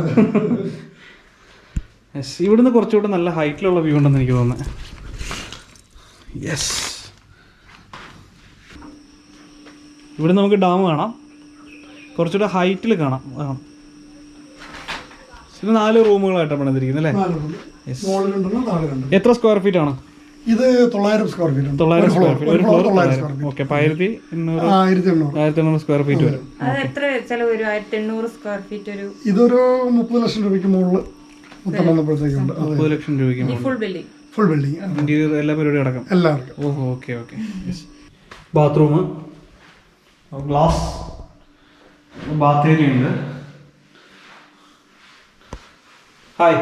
യെസ്, ഇവിടുന്ന് കുറച്ചുകൂടെ നല്ല ഹൈറ്റിലുള്ള വ്യൂ ഉണ്ടെന്ന് എനിക്ക് തോന്നുന്നത്. യെസ്, ഇവിടെ നമുക്ക് ഡാം കാണാം, കുറച്ചുകൂടെ ഹൈറ്റിൽ കാണാം. ഇത് നാല് റൂമുകളായിട്ടാണ് പണിതിരിക്കുന്നത് അല്ലേ? എത്ര സ്ക്വയർ ഫീറ്റ് ആണ്
ഇത്? തൊള്ളായിരം സ്ക്വയർ ഫീറ്റ്.
തൊള്ളായിരം സ്ക്വയർ ഫീറ്റ്. ഒരു ഫ്ലോർ തൊള്ളായിരം. ഓക്കെ. ആയിരത്തി എണ്ണൂറ് ആയിരത്തി എണ്ണൂറ് സ്ക്വയർ ഫീറ്റ് വരും.
എത്ര ചെലവ് വരും? ആയിരത്തി എണ്ണൂറ് സ്ക്വയർ ഫീറ്റ്. ഒരു
ഇതൊരു മുപ്പത് ലക്ഷം രൂപയ്ക്ക് മുകളിൽ മൊത്തം വന്നപ്പോഴത്തേക്കുണ്ട്.
മുപ്പത് ലക്ഷം രൂപയ്ക്ക്
full building.
Full building,
interior എല്ലാ പരിപാടിയും അടക്കം.
എല്ലാവർക്കും.
ഓഹോ, okay okay. Bathroom, glass bath area ഉണ്ട്. ഹായ്.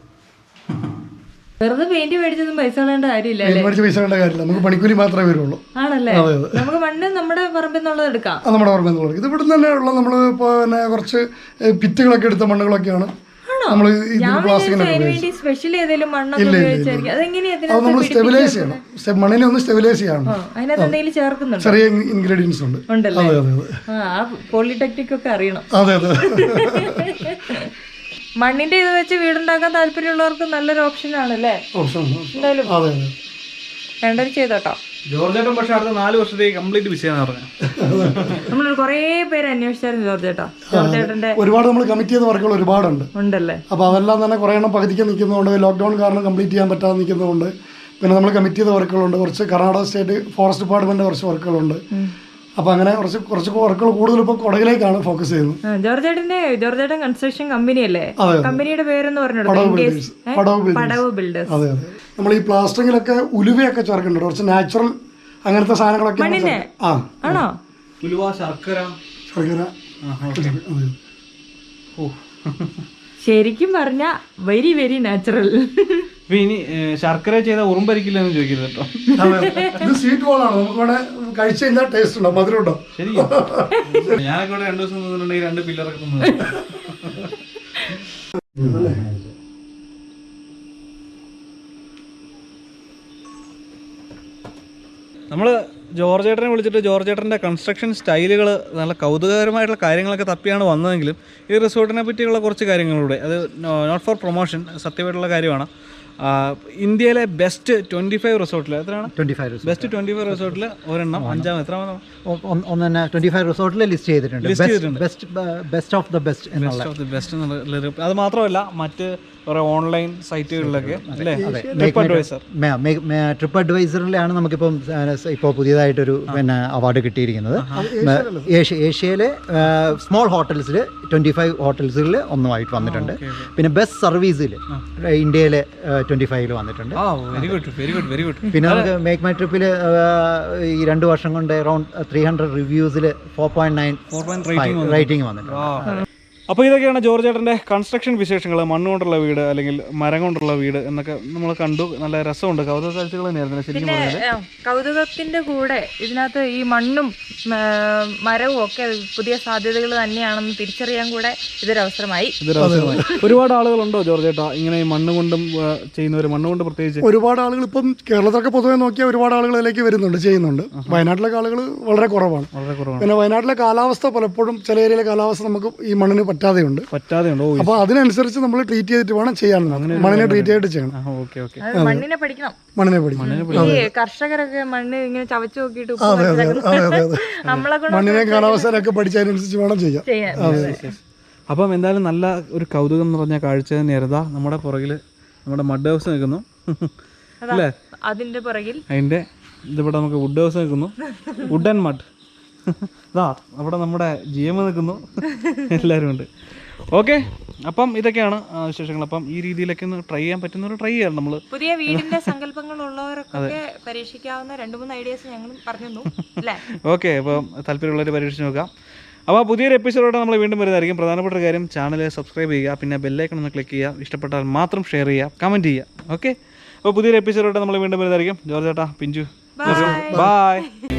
വെറുതെ പെയിന്റ് മേടിച്ചൊന്നും പൈസ കളയേണ്ട കാര്യമില്ല.
പൈസ കളയേണ്ട കാര്യമില്ല, നമുക്ക് പണിക്കൂലി മാത്രമേ വരുള്ളൂ.
ആണല്ലേ? നമുക്ക് മണ്ണ് നമ്മുടെ പറമ്പിൽ നിന്നുള്ളത് എടുക്കാം.
നമ്മുടെ പറമ്പിൽ നിന്നുള്ളത്. ഇത് ഇവിടെ തന്നെ ഉള്ള നമ്മൾ പിന്നെ കുറച്ച് ഭിത്തികളൊക്കെ എടുത്ത മണ്ണുകളൊക്കെയാണ് നമ്മൾ
സ്പെഷ്യൽ ഏതെങ്കിലും മണ്ണൊക്കെ ഉപയോഗിച്ചായിരിക്കും.
അത് നമ്മൾ സ്റ്റെബിലൈസ് ചെയ്യണം. മണ്ണിനെ ഒന്ന് സ്റ്റെബിലൈസ് ചെയ്യണം.
അതിനകത്ത് എന്തെങ്കിലും ചേർക്കുന്നുണ്ട്?
ചെറിയ ഇൻഗ്രീഡിയൻസ് ഉണ്ട്.
ഉണ്ടല്ലേ? പോളിടെക്നിക് ഒക്കെ അറിയണം.
അതെ അതെ.
മണ്ണിന്റെ ഇത് വെച്ച് വീടുണ്ടാക്കാൻ താല്പര്യമുള്ളവർക്ക് നല്ലൊരു ഓപ്ഷൻ ആണല്ലേ? എന്തായാലും രണ്ടര ചെയ്തോട്ടോ.
ജോർജേട്ടൻ പക്ഷെ അടുത്ത നാല് വർഷത്തേക്ക് കംപ്ലീറ്റ് വിഷയം പറഞ്ഞു.
നമ്മൾ കുറേ പേര് അന്വേഷിച്ചായിരുന്നു ജോർജേട്ടാ. ജോർജേട്ടന്റെ
ഒരുപാട് നമ്മൾ കമ്മിറ്റ് ചെയ്ത വർക്കുകൾ ഒരുപാടുണ്ട്.
ഉണ്ടല്ലേ?
അപ്പോൾ അതെല്ലാം തന്നെ കുറേ എണ്ണം പകുതിക്ക് നിൽക്കുന്നതുകൊണ്ട്, ലോക്ക്ഡൗൺ കാരണം കംപ്ലീറ്റ് ചെയ്യാൻ പറ്റാതെ നിൽക്കുന്നതുകൊണ്ട്, പിന്നെ നമ്മൾ കമ്മിറ്റ് ചെയ്ത വർക്കുകളുണ്ട്. കുറച്ച് കർണാടക സ്റ്റേറ്റ് ഫോറസ്റ്റ് ഡിപ്പാർട്ട്മെന്റ് കുറച്ച് വർക്കുകളുണ്ട്. അപ്പൊ അങ്ങനെ കുറച്ച് കുറച്ച് വർക്കുകൾ കൂടുതൽ ഇപ്പൊ കൊടകിലേക്കാണ് ഫോക്കസ് ചെയ്യുന്നത്.
ജോർജേട്ടന്റെ ജോർജേട്ടൻ കൺസ്ട്രക്ഷൻ കമ്പനി അല്ലേ? കമ്പനിയുടെ പേരെന്ന് പറഞ്ഞു. പടവ് ബിൽഡേഴ്സ്.
അതെ അതെ. നമ്മൾ ഈ പ്ലാസ്റ്ററിങ്ങിലൊക്കെ ഉലുവയൊക്കെ ചേർക്കുന്നുണ്ട്. കുറച്ച് നാച്ചുറൽ അങ്ങനത്തെ സാധനങ്ങളൊക്കെ. ആ
ആണോ?
ഉലുവ, ശർക്കര.
ശർക്കര.
ശരിക്കും പറഞ്ഞ വെരി വെരി നാച്ചുറൽ.
ഇനി ശർക്കര ചെയ്ത ഉറുമ്പരിക്കില്ലെന്ന് ചോദിക്കരുത് കേട്ടോ.
ഇത് സ്വീറ്റ് ബോളാണ്. നമുക്ക് വേണേ കഴിച്ചു കഴിഞ്ഞാൽ ടേസ്റ്റ് ഉണ്ടോ, മധുരം ഉണ്ടോ?
ശരി. ഞാനൊക്കെ ഇവിടെ രണ്ടു ദിവസം നിന്നിട്ടുണ്ടെങ്കിൽ രണ്ട് പില്ലറൊക്കെ തിന്നു. നമ്മള് ജോർജ് ഏട്ടനെ വിളിച്ചിട്ട് ജോർജ് ഏട്ടൻ്റെ കൺസ്ട്രക്ഷൻ സ്റ്റൈലുകൾ നല്ല കൗതുകകരമായിട്ടുള്ള കാര്യങ്ങളൊക്കെ തപ്പിയാണ് വന്നതെങ്കിലും ഈ റിസോർട്ടിനെ പറ്റിയുള്ള കുറച്ച് കാര്യങ്ങളിലൂടെ അത് നോട്ട് ഫോർ പ്രൊമോഷൻ, സത്യമായിട്ടുള്ള കാര്യമാണ്. ഇന്ത്യയിലെ ബെസ്റ്റ് ട്വൻറ്റി ഫൈവ് റിസോർട്ടിൽ എത്രയാണ്
twenty five
best twenty five റിസോർട്ടിൽ ഒരെണ്ണം അഞ്ചാം എത്രാമതാണ്
ഒന്ന് തന്നെ ട്വന്റി ഫൈവ് റിസോർട്ടിൽ ലിസ്റ്റ് ചെയ്തിട്ടുണ്ട്. Best best of the best എന്നുള്ള
ബെസ്റ്റ് ഓഫ് ദി ബെസ്റ്റ് എന്നുള്ള. അത് മാത്രമല്ല മറ്റ് കുറേ ഓൺലൈൻ സൈറ്റുകളിലൊക്കെ അല്ലേ, ട്രിപ്പ് അഡ്വൈസർ
ട്രിപ്പ് അഡ്വൈസറിലാണ് നമുക്കിപ്പം ഇപ്പോൾ പുതിയതായിട്ടൊരു പിന്നെ അവാർഡ് കിട്ടിയിരിക്കുന്നത്. ഏഷ്യ ഏഷ്യയിലെ സ്മോൾ ഹോട്ടൽസിൽ ട്വൻറ്റി ഫൈവ് ഹോട്ടൽസുകളിൽ ഒന്നുമായിട്ട് വന്നിട്ടുണ്ട്. പിന്നെ ബെസ്റ്റ് സർവീസിൽ ഇന്ത്യയിലെ ട്വൻറ്റി ഫൈവിൽ വന്നിട്ടുണ്ട്.
Very good very good very good.
പിന്നെ നമുക്ക് മേക്ക് മൈ ട്രിപ്പിൽ ഈ രണ്ട് വർഷം കൊണ്ട് അറൗണ്ട് ത്രീ ഹൺഡ്രഡ് റിവ്യൂസിൽ four point nine
four point
rating വന്നിട്ടുണ്ട്.
അപ്പോൾ ഇതൊക്കെയാണ് ജോർജ് ഏട്ടൻ്റെ കൺസ്ട്രക്ഷൻ വിശേഷങ്ങൾ. മണ്ണ് കൊണ്ടുള്ള വീട് അല്ലെങ്കിൽ മരം കൊണ്ടുള്ള വീട് എന്നൊക്കെ നമ്മൾ കണ്ടു. നല്ല രസമുണ്ട്, കൗതുക കാഴ്ചകൾ തന്നെയായിരുന്നു ശരിക്കും പറഞ്ഞാൽ.
കൗതുകത്തിന്റെ കൂടെ ഇതിനകത്ത് ഈ മണ്ണും മരവും ഒക്കെ പുതിയ സാധ്യതകൾ തന്നെയാണെന്ന് തിരിച്ചറിയാൻ കൂടെ ഇതൊരവസരമായി.
ഇതൊരവസരമായി. ഒരുപാട് ആളുകളുണ്ടോ ജോർജ് ഏട്ടാ ഇങ്ങനെ ഈ മണ്ണ് കൊണ്ടും ചെയ്യുന്നവർ? മണ്ണ് കൊണ്ട് പ്രത്യേകിച്ച്
ഒരുപാട് ആളുകൾ ഇപ്പം കേരളത്തിലൊക്കെ പൊതുവെ നോക്കിയാൽ ഒരുപാട് ആളുകൾ ഇതിലേക്ക് വരുന്നുണ്ട്, ചെയ്യുന്നുണ്ട്. വയനാട്ടിലൊക്കെ ആളുകൾ വളരെ കുറവാണ്.
വളരെ കുറവാണ്.
പിന്നെ വയനാട്ടിലെ കാലാവസ്ഥ പലപ്പോഴും ചില ഏരിയയിലെ കാലാവസ്ഥ നമുക്ക് ഈ മണ്ണിന് പറ്റാതെയുണ്ട്
പറ്റാതെയുണ്ടോ?
അപ്പോൾ അതിനനുസരിച്ച് നമ്മൾ ട്രീറ്റ് ചെയ്തിട്ട് വേണം ചെയ്യാൻ. മണ്ണിനെ ട്രീറ്റ് ചെയ്തിട്ട് ചെയ്യണം.
Okay okay.
മണ്ണിനെ പഠിക്കണം,
മണ്ണിനെ പഠിക്കണം.
ഈ കർഷകരൊക്കെ മണ്ണ് ഇങ്ങനെ ചവച്ചു നോക്കിയിട്ട്
അതെ അതെ അതെ അതെ അതെ
നമ്മളെ
മണ്ണിനെ കാലാവസ്ഥയിലൊക്കെ പഠിച്ചതിനനുസരിച്ച് വേണം ചെയ്യാൻ.
ചെയ്യാൻ.
അപ്പം എന്തായാലും നല്ല ഒരു കൗതുകം നിറഞ്ഞ കാഴ്ച തന്നെയായിരുന്നു. നമ്മുടെ പുറകിൽ നമ്മുടെ മഡ് ഹൗസ് നിൽക്കുന്നു അല്ലേ,
അതിന്റെ പുറകിൽ
അതിൻ്റെ ഇതിവിടെ നമുക്ക് വുഡ് ഹൗസ് നിൽക്കുന്നു, വുഡ് ആൻഡ് മഡ്. ഇതാ അവിടെ നമ്മുടെ ജി എം നിൽക്കുന്നു, എല്ലാവരും ഉണ്ട്. ഓക്കെ, അപ്പം ഇതൊക്കെയാണ് വിശേഷങ്ങൾ. അപ്പം ഈ രീതിയിലൊക്കെ ഒന്ന് ട്രൈ ചെയ്യാൻ പറ്റുന്നവർ ട്രൈ ചെയ്യാം. നമ്മൾ
പുതിയ വീടിന്റെ സങ്കല്പങ്ങൾ ഉള്ളവർക്കൊക്കെ പരീക്ഷിക്കാവുന്ന രണ്ട് മൂന്ന് ഐഡിയാസ് ഞങ്ങൾ പറഞ്ഞു അല്ലേ.
ഓക്കെ, അപ്പം താല്പര്യമുള്ളവർ പരീക്ഷിച്ച് നോക്കാം. അപ്പോൾ പുതിയൊരു എപ്പിസോഡോടെ നമ്മൾ വീണ്ടും വരുന്നതായിരിക്കും. പ്രധാനപ്പെട്ട ഒരു കാര്യം, ചാനൽ സബ്സ്ക്രൈബ് ചെയ്യുക, പിന്നെ ബെല്ലൈക്കൺ ഒന്ന് ക്ലിക്ക് ചെയ്യുക, ഇഷ്ടപ്പെട്ടാൽ മാത്രം ഷെയർ ചെയ്യുക, കമൻറ്റ് ചെയ്യുക. ഓക്കെ, അപ്പോൾ പുതിയൊരു എപ്പിസോഡോടെ നമ്മൾ വീണ്ടും വരുന്നതായിരിക്കും. ജോർജ് ചേട്ടാ, പിഞ്ചു, ബൈ.